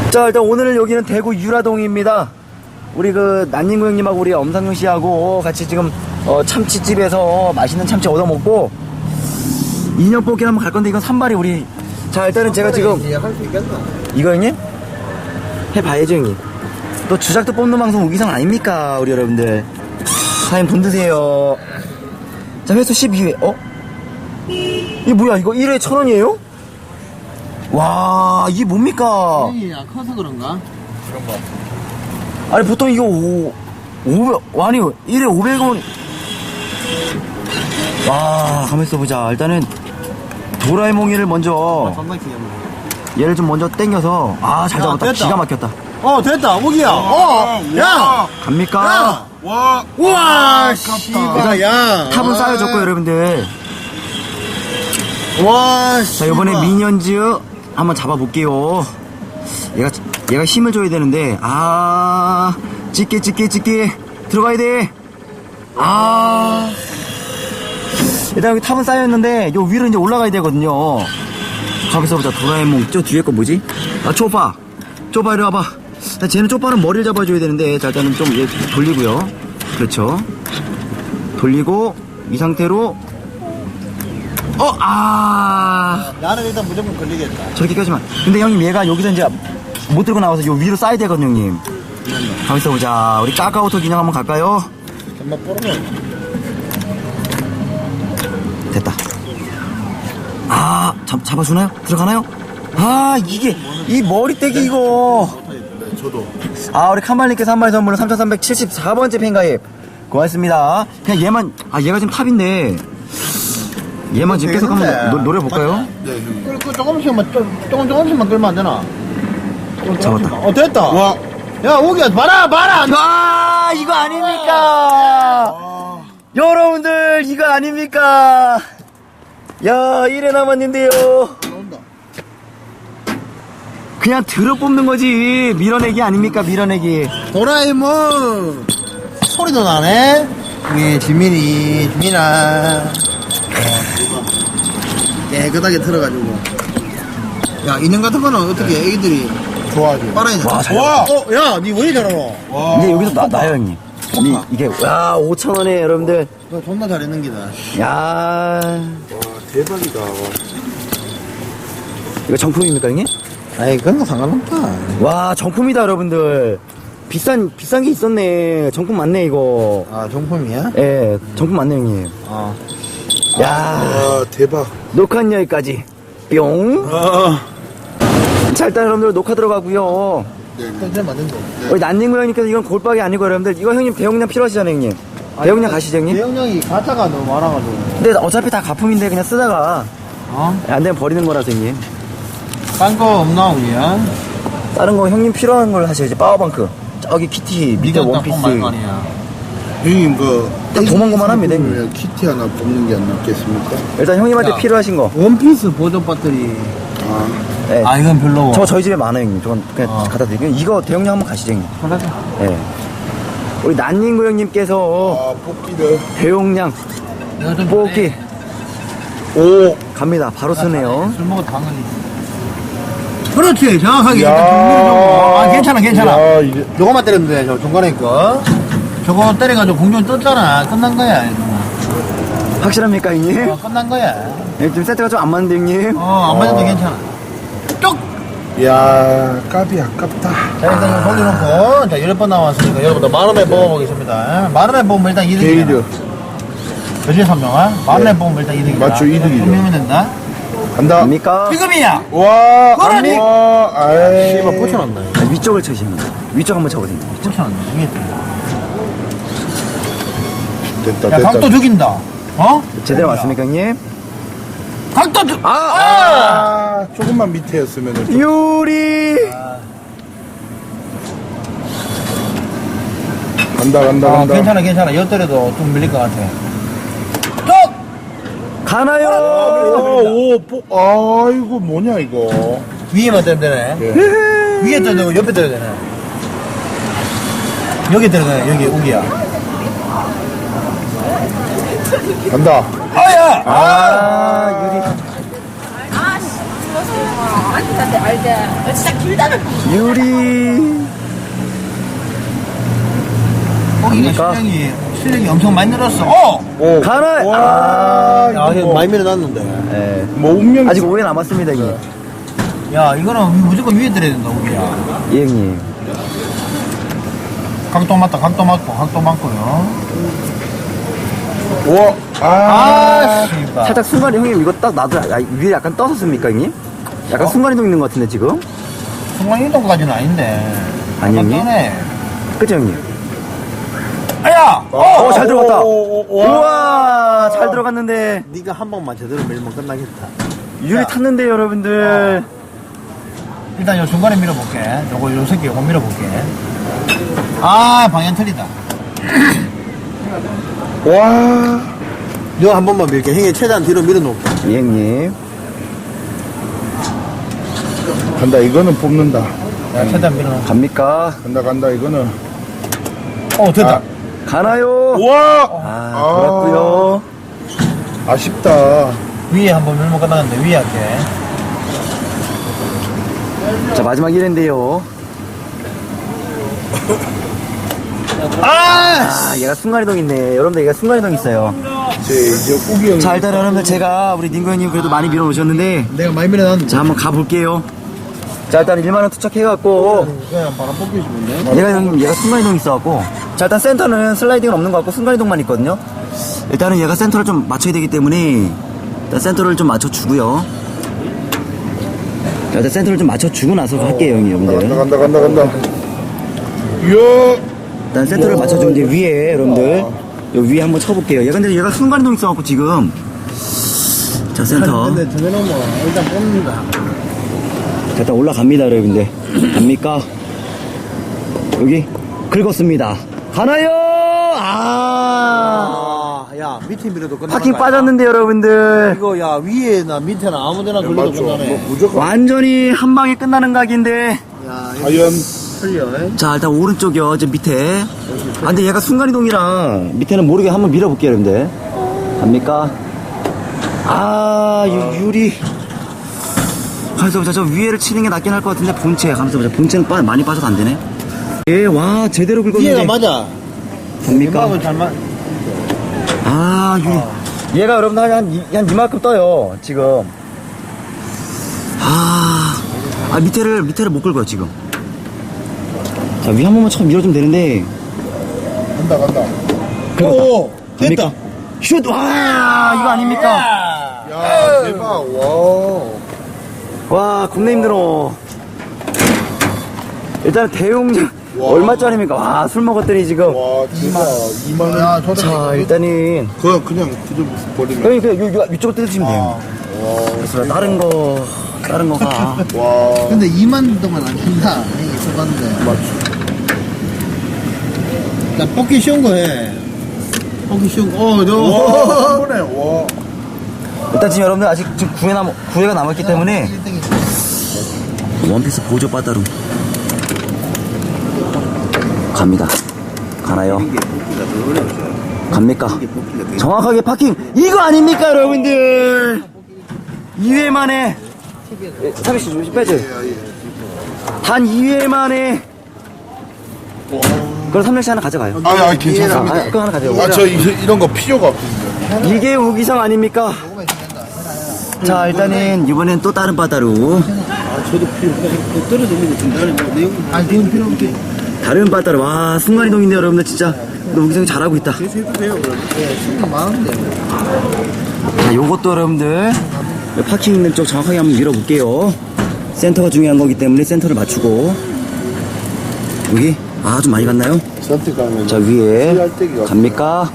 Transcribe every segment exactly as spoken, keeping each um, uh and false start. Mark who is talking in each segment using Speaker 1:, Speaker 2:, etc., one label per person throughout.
Speaker 1: 자, 일단 오늘 여기는 대구 유라동입니다. 우리 그 난닝구 형님하고 우리 엄상용 씨하고 같이 지금 어, 참치집에서 맛있는 참치 얻어먹고 인형 뽑기 한번 갈 건데 이건 산발이 우리. 자, 일단은 제가 지금
Speaker 2: 할 수 있겠나?
Speaker 1: 이거 형님 해봐야죠 형님. 또 주작도 뽑는 방송 우기상 아닙니까 우리 여러분들. 사장님 돈 드세요. 자, 회수 십이 회. 어? 이게 뭐야, 이거 일 회 천 원이에요? 와, 이게 뭡니까?
Speaker 2: 형이야 커서 그런가? 그런 거.
Speaker 1: 아니 보통 이거 오, 오백, 아니 일 회 오백 원. 와, 가만 있어보자. 일단은 도라에몽이를 먼저 얘를 좀 먼저 땡겨서. 아, 잘
Speaker 2: 야,
Speaker 1: 잡았다.
Speaker 2: 됐다.
Speaker 1: 기가 막혔다.
Speaker 2: 어 됐다 오기야. 어, 야,
Speaker 1: 갑니까?
Speaker 2: 야, 와, 우와, 씨발, 야.
Speaker 1: 탑은 쌓여졌고 여러분들.
Speaker 2: 와,
Speaker 1: 자, 이번에 미니언즈 한번 잡아볼게요. 얘가 얘가 힘을 줘야 되는데. 아, 찍게 찍게 찍게 들어가야 돼. 아, 일단 여기 탑은 쌓여있는데 요 위로 이제 올라가야 되거든요. 가만있어 보자. 도라에몽 저 뒤에 거 뭐지? 아, 쪼빠 쪼빠 이리 와봐. 자, 쟤는 쪼빠는 머리를 잡아줘야 되는데. 자, 일단은 좀 얘 돌리고요. 그렇죠. 돌리고 이 상태로. 어, 아,
Speaker 2: 나는 일단 무조건 걸리겠다.
Speaker 1: 저렇게까지만. 근데 형님 얘가 여기서 이제 못 들고 나와서 요 위로 쌓여야 되거든요 형님. 가만있어 보자. 우리 까까오톡 인형 한번 갈까요?
Speaker 2: 정말 뽀르네.
Speaker 1: 됐다. 아, 잡, 잡아주나요? 들어가나요? 아, 이게 이 머리떼기 이거.
Speaker 2: 저도.
Speaker 1: 아, 우리 칸발님께서 한 마리 선물로 삼천삼백칠십사 번째 팬가입 고맙습니다. 그냥 얘만. 아, 얘가 지금 탑인데 얘만 지금 계속 한번 노, 노려볼까요?
Speaker 2: 네, 그, 그 조금씩만 좀, 조금 조금씩만 끌면 안 되나? 조금,
Speaker 1: 잡았다.
Speaker 2: 조금씩만. 어 됐다. 와. 야 오기야 봐라 봐라.
Speaker 1: 아, 이거 아닙니까?
Speaker 2: 아.
Speaker 1: 여러분들 이거 아닙니까? 야, 일 회 남았는데요.
Speaker 2: 나온다.
Speaker 1: 그냥 들어 뽑는 거지. 밀어내기 아닙니까? 밀어내기.
Speaker 2: 도라에몽 소리도 나네. 예, 지민이 지민아. 깨끗하게 틀어가지고. 야, 인형 같은 거는 어떻게 애기들이 좋아하지? 빨아야
Speaker 1: 와, 잘
Speaker 2: 와, 어, 야, 니 왜 이리 잘하노? 와.
Speaker 1: 근데 여기서 나, 나요, 형님. 이, 이게, 야, 오천 원에 여러분들.
Speaker 2: 너 존나 잘했는 기다.
Speaker 1: 야.
Speaker 2: 와, 대박이다.
Speaker 1: 이거 정품입니까, 형님?
Speaker 2: 아이, 그런 거 상관없다.
Speaker 1: 와, 정품이다, 여러분들. 비싼, 비싼 게 있었네. 정품 맞네, 이거.
Speaker 2: 아, 정품이야?
Speaker 1: 예, 정품 맞네, 형님.
Speaker 2: 어.
Speaker 1: 야.
Speaker 2: 아, 대박.
Speaker 1: 녹화는 여기까지. 뿅.
Speaker 2: 아.
Speaker 1: 자, 일단 여러분들 녹화 들어가고요.
Speaker 2: 컨셉 맞는데.
Speaker 1: 우리 난닝구 형님께서 이건 골박이 아니고 여러분들. 이거 형님 대용량 필요하시잖아요, 형님. 대용량 가시죠, 형님?
Speaker 2: 대용량이 가짜가 너무 많아가지고.
Speaker 1: 근데 어차피 다 가품인데 그냥 쓰다가
Speaker 2: 어?
Speaker 1: 안 되면 버리는 거라서, 형님.
Speaker 2: 딴 거 없나, 우리야?
Speaker 1: 다른 거 형님 필요한 걸 하셔야지. 파워방크. 저기 키티 밑에 원피스.
Speaker 3: 형님 그
Speaker 1: 딱 도망고만 합니다, 형님.
Speaker 3: 키티 하나 뽑는 게 안 낫겠습니까?
Speaker 1: 일단 형님한테
Speaker 2: 야.
Speaker 1: 필요하신 거.
Speaker 2: 원피스 보조 배터리.
Speaker 3: 아,
Speaker 1: 네.
Speaker 2: 아, 이건 별로고.
Speaker 1: 저 저희 집에 많아요, 형님. 저건 그냥
Speaker 2: 어.
Speaker 1: 갖다 드릴게요. 이거 대용량 한번 가시죠, 형님.
Speaker 2: 하나죠.
Speaker 1: 예. 우리 난닝구 형님께서
Speaker 3: 아 뽑기를
Speaker 1: 대용량
Speaker 2: 내가 좀
Speaker 1: 뽑기.
Speaker 3: 오
Speaker 1: 갑니다. 바로 쓰네요.
Speaker 2: 술 먹어 당연히. 그렇지, 정확하게.
Speaker 3: 야.
Speaker 2: 일단 정리를 좀. 아, 괜찮아, 괜찮아.
Speaker 3: 야, 이게
Speaker 2: 요거만 때리면 돼, 저 중간에 거. 저거 때려가지고 공룡 떴잖아. 끝난 거야, 이거.
Speaker 1: 확실합니까, 형님?
Speaker 2: 어, 끝난 거야.
Speaker 1: 예, 지금 세트가 좀 안 맞는데, 형님?
Speaker 2: 어, 안 맞아도 괜찮아. 쪽!
Speaker 3: 야 까비 아깝다.
Speaker 2: 자, 일단 이거 돌려놓고, 자, 열 번 나왔으니까, 여러분들 만 원에 뽑아보겠습니다. 만 원에 뽑으면 일단 이득이야.
Speaker 3: 게이드
Speaker 2: 그지, 선명아? 만 원에 뽑으면 일단 이득이야.
Speaker 3: 맞죠, 이득이죠.
Speaker 2: 분명히 된다.
Speaker 3: 간다.
Speaker 1: 됩니까?
Speaker 2: 지금이야!
Speaker 3: 와
Speaker 2: 그러니.
Speaker 3: 와 아이
Speaker 2: 씨발, 꽂혀놨네.
Speaker 1: 아, 위쪽을 쳐시면 위쪽 한번 쳐보세요.
Speaker 2: 꽂혀놨네. 이게
Speaker 3: 됐다
Speaker 2: 야,
Speaker 3: 됐다.
Speaker 2: 각도 죽인다. 어?
Speaker 1: 제대로 맞습니까, 형님?
Speaker 2: 각도 죽, 아! 아!
Speaker 3: 아 조금만 밑에였으면 좀.
Speaker 1: 요리!
Speaker 3: 간다 간다
Speaker 2: 아,
Speaker 3: 간다.
Speaker 2: 괜찮아, 괜찮아. 엿더라도 좀 밀릴 것 같아. 쪽!
Speaker 1: 가나요?
Speaker 3: 오, 뽀, 아이고 뭐냐 이거.
Speaker 2: 위에만 때리면 되네.
Speaker 3: 예.
Speaker 2: 위에 때려야 되고, 옆에 때려야 되네. 여기 때려야 되네, 여기, 우기야.
Speaker 3: 간다.
Speaker 2: 아야! 아!
Speaker 1: 아, 유리.
Speaker 4: 아직한테 알게. 어, 진짜 길다는
Speaker 1: 유리.
Speaker 2: 고기가
Speaker 1: 그러니까.
Speaker 2: 실력이, 실력이 엄청 많이 늘었어. 어!
Speaker 3: 오.
Speaker 1: 가나.
Speaker 3: 와,
Speaker 1: 아.
Speaker 2: 야,
Speaker 3: 이거
Speaker 2: 이거 많이 밀어놨는데.
Speaker 1: 예.
Speaker 3: 뭐 운명.
Speaker 1: 아직 오래 남았습니다, 이게.
Speaker 2: 야, 이거는 무조건 위에 들어야 된다, 우리야.
Speaker 1: 예, 형님.
Speaker 2: 각도 맞다, 각도 맞고, 각도 맞고요.
Speaker 3: 와, 아,
Speaker 2: 아, 씨발.
Speaker 1: 살짝 순간이 형님 이거 딱 놔도 아, 위에 약간 떠섰습니까, 형님? 약간
Speaker 2: 어?
Speaker 1: 순간이동 있는 것 같은데, 지금?
Speaker 2: 순간이동까지는 아닌데.
Speaker 1: 아니,
Speaker 2: 약간
Speaker 1: 형님?
Speaker 2: 떠네.
Speaker 1: 그죠, 형님?
Speaker 2: 아야!
Speaker 1: 어, 잘 들어갔다.
Speaker 3: 오, 오, 오, 와.
Speaker 1: 우와, 잘 들어갔는데.
Speaker 2: 네가 한 번만 제대로 밀면 끝나겠다.
Speaker 1: 유리 탔는데, 여러분들.
Speaker 2: 일단 요 중간에 밀어볼게. 요거, 요 새끼 요거 밀어볼게. 아, 방향 틀리다.
Speaker 3: 와.
Speaker 2: 너 한 번만 밀게. 형이 최대한 뒤로 밀어놓을게.
Speaker 1: 예, 형님.
Speaker 3: 간다, 이거는 뽑는다.
Speaker 2: 야, 최대한 밀어놓을게.
Speaker 1: 갑니까?
Speaker 3: 간다, 간다, 이거는.
Speaker 2: 어, 됐다.
Speaker 3: 아.
Speaker 1: 가나요?
Speaker 3: 와!
Speaker 1: 아, 돌았고요.
Speaker 3: 아쉽다.
Speaker 2: 위에 한 번 밀면 끝나는데, 위에 할게.
Speaker 1: 자, 마지막 일 회인데요.
Speaker 2: 아!
Speaker 1: 아, 얘가 순간이동 있네. 여러분들, 얘가 순간이동 있어요.
Speaker 3: 제, 이제 꾸기 형.
Speaker 1: 자, 일단 여러분들, 제가 우리 닝구 형님 그래도 많이 밀어놓으셨는데,
Speaker 2: 내가 많이 밀어놨는데.
Speaker 1: 자, 한번 가볼게요. 자, 일단 일만 원 투척해갖고,
Speaker 2: 그냥 바람 뽑기 싶은데.
Speaker 1: 얘가 형님, 얘가 순간이동 있어갖고, 자, 일단 센터는 슬라이딩은 없는 것 같고, 순간이동만 있거든요. 일단은 얘가 센터를 좀 맞춰야 되기 때문에, 일단 센터를 좀 맞춰주고요. 자, 일단 센터를 좀 맞춰주고 나서 할게요, 형님,
Speaker 3: 간다,
Speaker 1: 여러분들.
Speaker 3: 간다, 간다, 간다. 이야.
Speaker 1: 일단 센터를 맞춰준 이제 위에, 여러분들. 요 위에 한번 쳐볼게요. 얘가 근데 얘가 순간이동 있어갖고, 지금. 자, 센터.
Speaker 2: 근데 정해놓으면 일단 뽑는다.
Speaker 1: 자, 일단 올라갑니다, 여러분들. 갑니까? 여기, 긁었습니다. 가나요? 아!
Speaker 2: 아, 야, 밑에 밀어도 끝나.
Speaker 1: 파킹 빠졌는데, 여러분들.
Speaker 2: 이거, 야, 위에나 밑에나 아무 데나 돌려도
Speaker 3: 맞죠.
Speaker 2: 끝나네.
Speaker 3: 뭐, 무조건.
Speaker 1: 완전히 한 방에 끝나는 각인데.
Speaker 2: 야, 이거
Speaker 3: 과연.
Speaker 2: 틀려.
Speaker 1: 자, 일단 오른쪽이요, 저 밑에. 아, 근데 얘가 순간이동이라 밑에는 모르게 한번 밀어볼게요, 여러분들. 갑니까? 아, 유, 유리. 가만있어 보자. 저 위에를 치는 게 낫긴 할 것 같은데, 본체. 가만있어 보자. 본체는 빠, 많이 빠져도 안 되네. 예, 와, 제대로 긁었는데.
Speaker 2: 위에가 맞아.
Speaker 1: 갑니까?
Speaker 2: 음악은 잘 맞.
Speaker 1: 아, 유리. 얘가 여러분들 한, 한, 이- 한 이만큼 떠요, 지금. 아, 아, 밑에를, 밑에를 못 긁어요, 지금. 자, 위 한 번만 처음 밀어주면 되는데.
Speaker 3: 간다, 간다.
Speaker 2: 오, 됐다.
Speaker 1: 됩니까? 슛! 와, 이거 아닙니까?
Speaker 3: 야, 대박. 와.
Speaker 1: 와, 겁나 힘들어. 일단 대용량,
Speaker 3: 와.
Speaker 1: 얼마짜리입니까? 와, 술 먹었더니 지금.
Speaker 3: 와, 대박. 이만 원.
Speaker 2: 야, 저도.
Speaker 1: 자, 일단은.
Speaker 3: 그냥, 그냥 그저 버리면.
Speaker 1: 형님, 그냥 요, 요, 위쪽으로 뜯으시면 돼요.
Speaker 3: 와.
Speaker 1: 그래서 다른 거, 다른 거가.
Speaker 3: 와.
Speaker 2: 근데 이만 동안 안 킨다. 이게 써봤는데.
Speaker 3: 맞지.
Speaker 2: 나 뽑기 쉬운 거 해. 뽑기 쉬운 거. 어,
Speaker 3: 와,
Speaker 2: 너.
Speaker 3: 한 번에, 와.
Speaker 1: 일단 지금 여러분들 아직 지금 구회 남, 구회가 남았기 때문에. 원피스 보조 빠따로. 갑니다. 가나요? 갑니까? 정확하게 파킹. 이거 아닙니까, 여러분들? 이 회 만에. 삼십 씨 조심 빼지. 단 이 회 만에. 그럼 삼 렙씩 하나 가져가요.
Speaker 3: 아, 아, 괜찮습니다.
Speaker 1: 아, 그거 하나 가져가요.
Speaker 3: 아, 저 이, 이런 거 필요가 없습니다.
Speaker 1: 이게 우기성 아닙니까? 자, 일단은 이번엔 또 다른 바다로.
Speaker 2: 아, 저도 필요 없어. 떨어지는 거 중간에 뭐 내용. 아, 내용 필요 없지.
Speaker 1: 다른 바다로. 와, 순간이동인데 여러분들 진짜. 너 우기성이 잘하고 있다.
Speaker 2: 계속 해도 돼요, 그럼. 예, 수능 많은데.
Speaker 1: 자, 요것도 여러분들 파킹 있는 쪽 정확하게 한번 밀어볼게요. 센터가 중요한 거기 때문에 센터를 맞추고. 여기? 아, 좀 많이 갔나요?
Speaker 3: 선택하면.
Speaker 1: 자, 위에.
Speaker 3: 씨알떼기가
Speaker 1: 갑니까?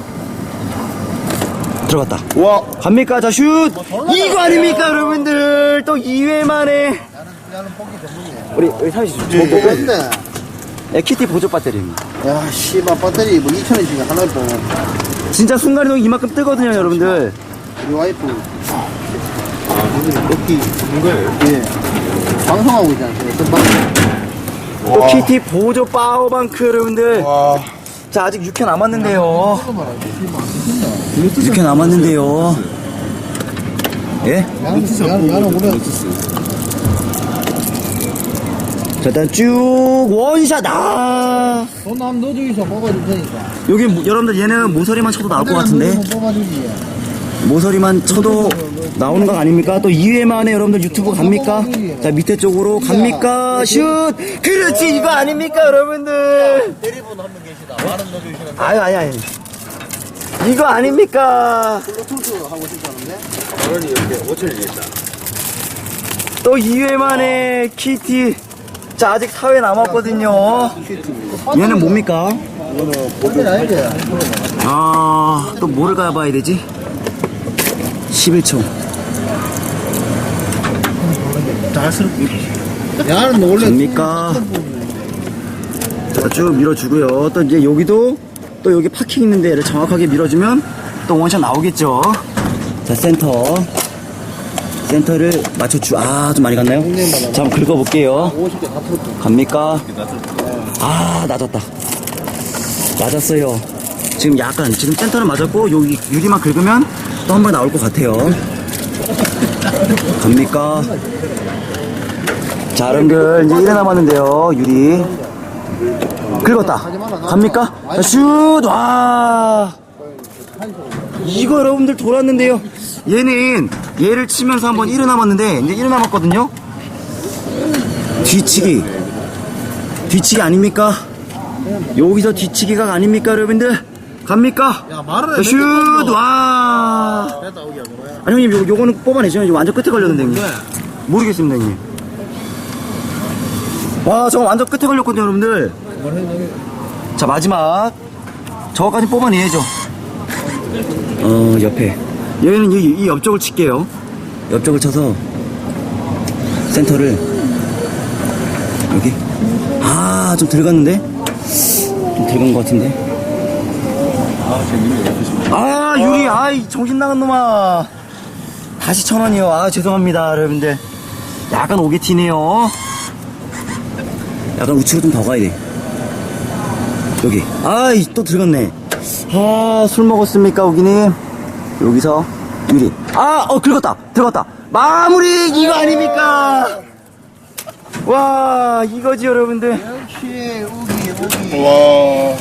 Speaker 1: 들어갔다.
Speaker 3: 와.
Speaker 1: 갑니까? 자, 슛! 이거 아닙니까, 여러분들? 또 이 회 만에.
Speaker 2: 나는 뽑기 전문이야.
Speaker 1: 우리, 우리 사실 좀
Speaker 3: 예, 예.
Speaker 2: 근데,
Speaker 1: 네, 키티 보조 배터리입니다.
Speaker 2: 야, 씨발, 배터리 뭐 이천 원씩 하나에 뽑아.
Speaker 1: 진짜 순간이동 이만큼 뜨거든요, 여러분들.
Speaker 2: 우리 와이프. 아, 여기는 뽑기 전문 거예요? 예. 방송하고 있잖아, 어떤 방송.
Speaker 1: 또 키티 보조 파워방크, 여러분들.
Speaker 3: 와.
Speaker 1: 자, 아직 육 회 남았는데요. 육 회 남았는데요. 예?
Speaker 2: 나는, 나는, 나는 그래.
Speaker 1: 자, 일단 쭉 원샷. 아,
Speaker 2: 돈 한번 넣어주기서 뽑아줄 테니까.
Speaker 1: 여기 모- 여러분들 얘는 모서리만 쳐도 나올 것 같은데.
Speaker 2: 뽑아주지.
Speaker 1: 모서리만 쳐도 나오는 거 아닙니까? 또 이 회 만에 여러분들 유튜브 갑니까? 자, 밑에 쪽으로 갑니까? 슛! 그렇지, 이거 아닙니까, 여러분들?
Speaker 3: 대리분 한 분 계시다. 만원 넣어주시는
Speaker 1: 아유, 아유, 아유. 이거 아닙니까?
Speaker 2: 블루투스 하고 싶다는데?
Speaker 3: 만원이 이렇게 오천이 있다.
Speaker 1: 또 이 회 만에 키티. 자, 아직 사 회 남았거든요. 얘는 뭡니까?
Speaker 2: 이거는 아니지.
Speaker 1: 아, 또 뭐를 가봐야 되지? 십일 초.
Speaker 2: 자연스럽게. 야는 원래.
Speaker 1: 됩니까? 자, 쭉 밀어주고요. 또 이제 여기도 또 여기 파킹 있는 데를 정확하게 밀어주면 또 원샷 나오겠죠. 자, 센터. 센터를 맞춰주, 아, 좀 많이 갔나요? 자, 한번 긁어볼게요.
Speaker 2: 오십 개 다 틀었죠.
Speaker 1: 갑니까? 아, 낮았다. 맞았어요. 지금 약간, 지금 센터는 맞았고, 여기 유리만 긁으면 또 한 번 나올 것 같아요. 갑니까? 자, 여러분들, 이제 일 회 남았는데요, 유리. 긁었다. 갑니까? 자, 슛! 와! 이거 여러분들 돌았는데요. 얘는, 얘를 치면서 한번 일 회 남았는데, 이제 일 회 남았거든요? 뒤치기. 뒤치기 아닙니까? 여기서 뒤치기가 아닙니까, 여러분들? 갑니까?
Speaker 2: 야, 말을
Speaker 1: 자, 슛! 와!
Speaker 2: 됐다, 오기야, 뭐야.
Speaker 1: 아니, 형님, 요, 요거는 뽑아내죠. 이거 완전 끝에 걸렸는데, 형님. 모르겠습니다, 형님. 와, 저거 완전 끝에 걸렸거든요, 여러분들. 자, 마지막. 저거까지 뽑아내야죠. 어, 옆에. 여기는 이, 이 옆쪽을 칠게요. 옆쪽을 쳐서, 센터를, 여기. 아, 좀 들어갔는데? 좀 들어간 것 같은데? 아, 유리, 아이, 정신 나간 놈아. 다시 천 원이요. 아, 죄송합니다, 여러분들. 약간 오게 튀네요. 약간 우측으로 좀 더 가야 돼. 여기. 아이, 또 들어갔네. 아, 술 먹었습니까, 오기님? 여기서, 유리. 아, 어, 긁었다. 들어갔다. 마무리! 이거 아닙니까? 와, 이거지, 여러분들.
Speaker 2: 역시, 우기, 우기.
Speaker 3: 와.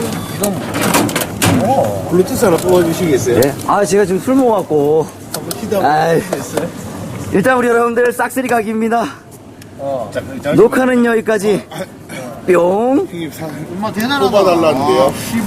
Speaker 3: 블루투스 하나 뽑아주시겠어요?
Speaker 1: 네. 아, 제가 지금 술 먹어갖고.
Speaker 3: 한번 시도
Speaker 1: 아이.
Speaker 3: 한번 했어요?
Speaker 1: 일단 우리 여러분들 싹쓸이 각입니다.
Speaker 2: 어.
Speaker 3: 자, 잠시만요.
Speaker 1: 녹화는 여기까지. 뿅.
Speaker 3: 형님 사
Speaker 2: 엄마 대단하다.
Speaker 3: 뽑아달라는데요.
Speaker 2: 아, 씨.